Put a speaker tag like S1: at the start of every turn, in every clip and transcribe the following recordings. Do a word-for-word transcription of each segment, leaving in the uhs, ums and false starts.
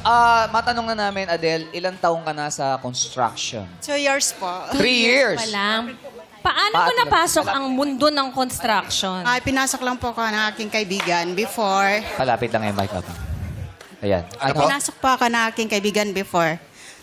S1: ah, matanong na namin, Adele, ilang taong ka na sa construction?
S2: Two years po.
S1: Three years.
S3: Walang. Paano
S1: Pa-
S3: mo napasok ang mundo ng construction?
S2: Ay, pinasok lang po ako ng aking kaibigan before.
S1: Palapit lang yung mic up. Ayan. Ano?
S2: Pinasok po ako ng aking kaibigan before.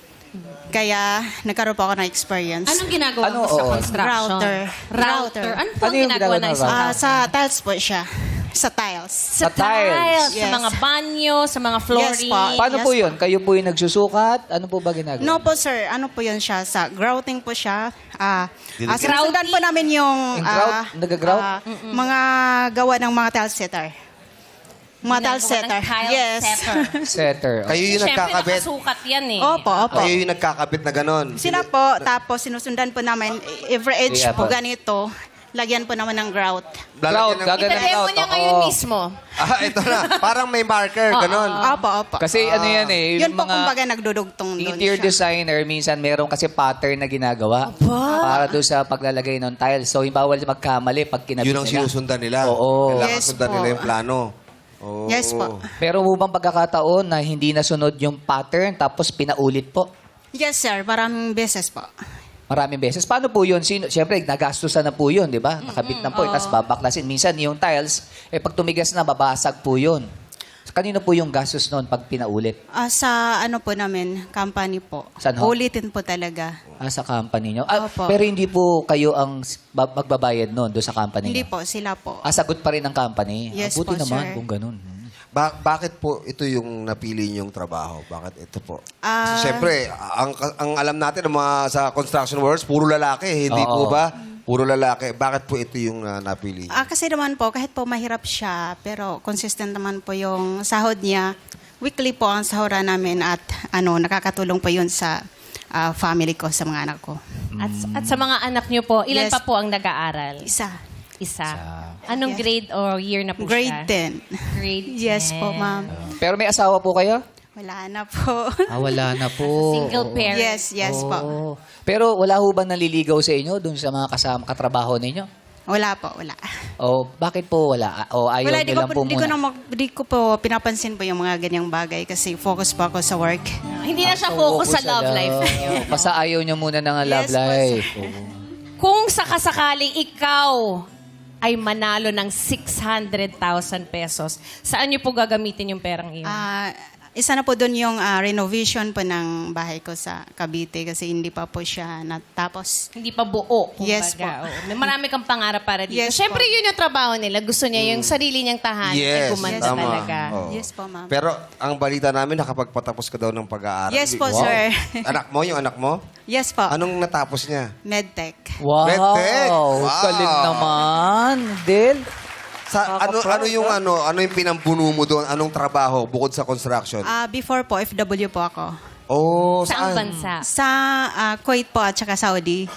S2: Kaya, nagkaroon po ako ng experience.
S3: Anong ginagawa
S1: Ano,
S3: mo sa
S1: oo.
S3: construction?
S2: Router.
S3: Router.
S2: Router.
S3: Ano po
S1: Ano
S3: ang
S1: yung
S3: ginagawa
S1: ginagawa
S3: ng
S1: ng
S3: isang
S2: Ah,
S3: router?
S2: sa tiles po siya. Sa tiles.
S3: Sa
S1: Sa tiles.
S3: tiles, sa
S2: Yes.
S3: mga banyo, sa mga flooring.
S2: po.
S1: Paano
S2: Yes
S1: po
S2: po.
S1: yun? Kayo po yung nagsusukat? Ano po ba ginagawa?
S2: No po, sir. Ano po yun siya? Sa grouting po siya. Ah, ah,
S3: Grouting?
S2: sinusundan po namin yung...
S1: Yung grout?
S2: ah,
S1: Nag-grout?
S2: ah, mga gawa ng mga tile setter. Mga tile
S3: Ginagawa ng
S2: setter.
S3: tile
S2: Yes.
S3: setter.
S1: Setter.
S4: Kayo yung
S3: Siyempre,
S4: nagkakabit.
S3: nakasukat yan eh.
S2: Opo, opo.
S4: Kayo yung nagkakabit na ganon.
S2: Sila po, tapos sinusundan po namin every edge
S1: Yeah,
S2: po
S1: po.
S2: ganito. Lagyan po naman ng grout.
S1: Grout,
S4: Lalagyan ng-
S1: gagawin ng
S3: Ipedemo
S1: grout.
S3: niya
S1: Oo.
S3: ngayon mismo.
S4: Ah, ito na. Parang may marker, ganon.
S2: Opo, opo.
S1: Kasi ano yan eh,
S2: Yun
S1: yung
S2: po
S1: mga
S2: kumbaga nagdudugtong doon
S1: interior
S2: siya.
S1: designer, minsan meron kasi pattern na ginagawa para doon sa paglalagay ng tiles. So, yung bawal magkamali pag kinabit
S4: Yun ang
S1: nila.
S4: sinusundan nila.
S1: Oo.
S4: Kailangan
S2: Yes
S4: sundan
S2: po.
S4: nila yung plano. Oo.
S2: Yes po.
S1: Pero mo bang pagkakataon na hindi nasunod yung pattern tapos pinaulit po?
S2: Yes, sir. Maraming beses po.
S1: Maraming beses. Paano po yun? Sino, Siyempre, nagastusan na po yun, di ba? Nakabit na po, tapos babaklasin. Minsan, yung tiles, eh, pag tumigas na, babasag po yun. Kanino po yung gastos noon pag pinaulit?
S2: Ah, sa ano po namin, company po.
S1: Saan ho?
S2: Ulitin po talaga.
S1: Ah, sa company nyo? Ah,
S2: Opo.
S1: pero hindi po kayo ang s- ba- magbabayad noon doon sa company
S2: Hindi
S1: nyo?
S2: po, sila po.
S1: Ah, sagot pa rin ng company?
S2: Yes
S1: ah, buti
S2: po,
S1: naman
S2: sir.
S1: kung ganun.
S4: Ba- bakit po ito yung napili niyong trabaho? Bakit ito po?
S2: Ah.
S4: Kasi syempre, ang, ang alam natin ng mga sa construction workers, puro lalaki. Hindi
S1: Oo.
S4: po ba? Puro lalaki. Bakit po ito yung ah, napili niyo?
S2: Ah, kasi naman po, kahit po mahirap siya, pero consistent naman po yung sahod niya. Weekly po ang sahura namin at ano, nakakatulong po yun sa ah, family ko, sa mga anak ko.
S3: At, at sa mga anak niyo po, ilan
S2: Yes.
S3: pa po ang nag-aaral?
S2: Isa.
S3: Isa. Anong
S2: Yes.
S3: grade or year na po
S2: Grade
S3: siya?
S2: ten.
S3: Grade
S2: Yes po,
S3: ten.
S2: ma'am.
S1: Pero may asawa po kayo?
S2: Wala na po.
S1: Ah, wala na po.
S3: Single parent.
S2: yes, yes po.
S1: Oo. Pero wala ho ba naliligaw sa inyo doon sa mga kasama, katrabaho ninyo?
S2: Wala po, wala.
S1: O bakit po wala? O ayaw
S2: Wala,
S1: nyo
S2: di ko,
S1: lang
S2: po,
S1: po
S2: di ko,
S1: muna?
S2: na mag- di ko po pinapansin po yung mga ganyang bagay kasi focus po ako sa work.
S3: Hindi na siya
S1: So,
S3: focus sa
S1: focus
S3: love life
S1: love.
S3: niyo.
S1: Basta ayaw nyo muna ng love
S2: Yes, po,
S1: life.
S2: sir.
S1: Oo.
S3: Kung sakasakaling ikaw ay manalo ng six hundred thousand pesos, saan niyo po gagamitin yung perang iyon?
S2: Ah, isa na po doon yung ah, renovation po ng bahay ko sa Cavite kasi hindi pa po siya natapos.
S3: Hindi pa buo, kumbaga.
S2: Yes po.
S3: Oo. May marami kang pangarap para dito.
S2: Yes
S3: Siyempre,
S2: po.
S3: yun yung trabaho nila. Gusto niya yung sarili niyang tahanan.
S4: Yes,
S3: ay gumanda
S4: tama.
S3: talaga.
S4: Oo.
S2: Yes po, ma'am.
S4: Pero ang balita namin, nakapagpatapos ka daw ng pag-aaral.
S2: Yes po,
S4: Wow.
S2: sir.
S4: Anak mo, yung anak mo?
S2: Yes po.
S4: Anong natapos niya?
S2: Medtech.
S1: Wow!
S4: Medtech! Wow!
S1: Galing naman, Del.
S4: Sa ano
S1: Nakaka-proud,
S4: ano yung
S1: ah.
S4: ano ano yung pinambuno mo doon? Anong trabaho bukod sa construction?
S2: Ah, before po, F W po ako.
S4: oh,
S3: Saang
S4: saan?
S3: bansa?
S2: Sa ah, Kuwait po at saka Saudi.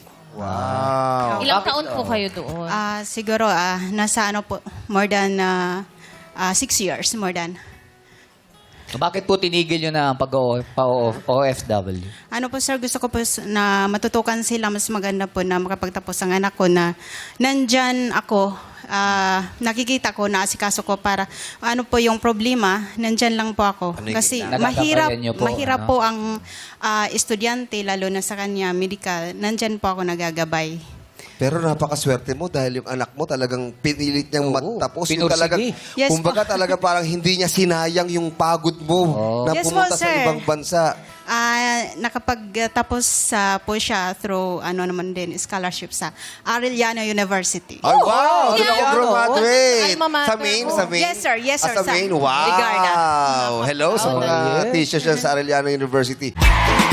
S4: Wow.
S3: Ilang taon po kayo doon?
S2: Ah, siguro, ah, nasa ano po, more than ah, ah, six years, more than.
S1: Bakit po tinigil nyo na ang pag-O F W?
S2: Ano po sir, gusto ko po s- na matutukan sila, mas maganda po na makapagtapos ang anak ko na nandyan ako, ah, nakikita ko na asikaso ko para ano po yung problema, nandyan lang po ako.
S4: Ano yung
S2: Kasi
S1: ginawa?
S2: mahirap,
S1: Nagagabayan niyo po,
S2: mahirap
S1: ano?
S2: po ang ah, estudyante, lalo na sa kanya, medical, nandyan po ako nagagabay.
S4: Pero napakaswerte mo dahil yung anak mo talagang pinilit niyang
S1: Oo,
S4: matapos. Yung
S1: pinursigi.
S4: talagang,
S2: Yes
S4: kumbaga talaga parang hindi niya sinayang yung pagod mo
S1: Oo.
S4: na
S2: Yes po,
S4: pumunta sa
S2: sir.
S4: ibang bansa.
S2: Ah, nakapagtapos sa po siya through ano naman din scholarship sa Arellano University.
S4: Ay, wow! Doon ako
S1: yeah.
S4: graduate.
S3: Alma mater
S4: Sa main,
S3: mo.
S4: sa main.
S2: Yes, sir. Yes, sir.
S4: Ah, sa
S2: Sa
S4: main, wow!
S2: Ligarda.
S4: Hello sa
S1: Oh,
S4: mga
S1: yes.
S4: teachers yan sa Arellano University.